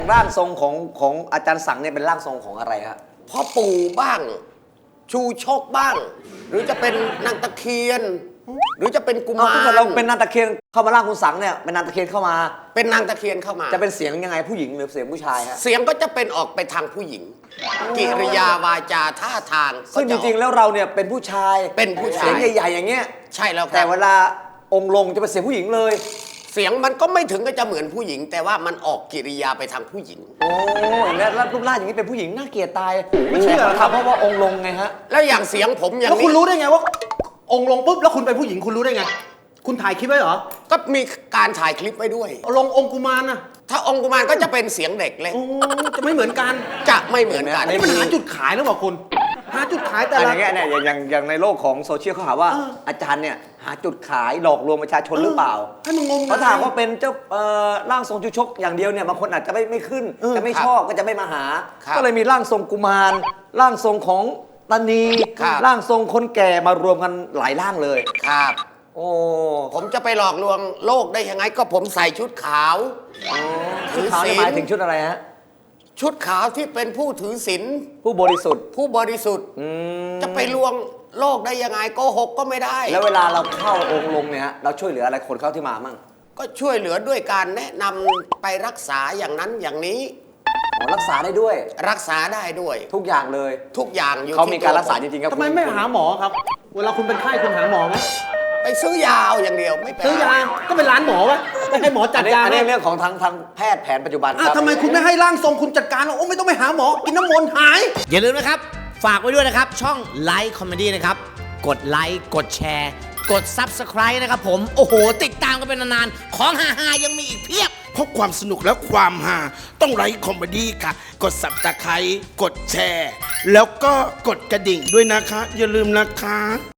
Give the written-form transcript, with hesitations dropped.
ร่างทรงของอาจารย์สังเนี่ยเป็นร่างทรงของอะไรครับพ่อปู่บ้างชูชกบ้าง หรือจะเป็นนางตะเคียน หรือจะเป็นกุมารถ้าเกิดเราเป็นนางตะเคียนเข้ามาร่างคุณสังเนี่ยเป็นนางตะเคียนเข้ามาเป็นนางตะเคียนเข้ามาจะเป็นเสียงยังไงผู้หญิงหรือเสียงผู้ชายฮะเสียงก็จะเป็นออกไปทางผู้หญิงกิริยาวาจาท่าทางซึ่งจริงๆแล้วเราเนี่ยเป็นผู้ชายเป็นผู้ชายเสียงใหญ่ๆอย่างเงี้ยใช่แล้วครับแต่เวลาองค์ลงจะเป็นเสียงผู้หญิงเลยเสียงมันก็ไม่ถึงก็จะเหมือนผู้หญิง แต่ว่ามันออกกิริยาไปทางผู้หญิงโอ้ยแล้วรูปร่างอย่างนี้เป็นผู้หญิงน่าเกลียดตายไม่เชื่อครับเพราะว่าองค์ลงไงฮะแล้วอย่างเสียงผมอย่างนี้แล้วคุณรู้ได้ไงว่าองค์ลงปุ๊บแล้วคุณเป็นผู้หญิงคุณรู้ได้ไงคุณถ่ายคลิปไว้เหรอก็มีการถ่ายคลิปไว้ด้วยลงองค์กุมารนะถ้าองค์กุมารก็จะเป็นเสียงเด็กเลยจะไม่เหมือนกันจะไม่เหมือนกันนี่มันหาจุดขายแล้วบอกคุณหาจุดขายแต่ละอย่างเงี้ยเนี่ยอย่างในโลกของโซเชียลเขาหาว่าอาจารย์เนี่ยหาจุดขายหลอกลวงประชาชนหรือเปล่าให้มันงมเขาถามว่าเป็นเจ้าร่างทรงชูชกอย่างเดียวเนี่ยบางคนอาจจะไม่ขึ้นจะไม่ชอบก็จะไม่มาหาก็เลยมีร่างทรงกุมารร่างทรงของตานีร่างทรงคนแก่มารวมกันหลายร่างเลยครับโอ้ผมจะไปหลอกลวงโลกได้ยังไงก็ผมใส่ชุดขาวชุดขาวหมายถึงชุดอะไรฮะชุดขาวที่เป็นผู้ถือศีลผู้บริสุทธิ์ผู้บริสุทธิ์จะไปลวงโลกได้ยังไงโกหกก็ไม่ได้แล้วเวลาเราเข้าองค์ลงเนี่ยฮะเราช่วยเหลืออะไรคนเข้าที่มามั่งก็ช่วยเหลือด้วยการแนะนำไปรักษาอย่างนั้นอย่างนี้รักษาได้ด้วยรักษาได้ด้วยทุกอย่างเลยทุกอย่างอยู่เขามีการรักษาจริงๆครับทำไมไม่หาหมอครับเวลาคุณเป็นไข้คุณหาหมอไหมไปซื้อยาวอย่างเดียวไม่ไปซื้อยาก็เป็นร้านหมอวะไม่ให้หมอจัดยาอันนี้เรื่องของทางแพทย์แผนปัจจุบันครับทำไมคุณไม่ให้ร่างทรงคุณจัดการโอ้ไม่ต้องไปหาหมอกินน้ำมนต์หายอย่าลืมนะครับฝากไว้ด้วยนะครับช่องไลค์คอมเมดี้นะครับกดไลค์กดแชร์กด Subscribe นะครับผมโอ้โหติดตามกันเป็นนานๆของฮาๆยังมีอีกเพียบเพราะความสนุกและความฮาต้องไลค์คอมเมดี้ค่ะกด Subscribe กดแชร์แล้วก็กดกระดิ่งด้วยนะคะอย่าลืมนะคะ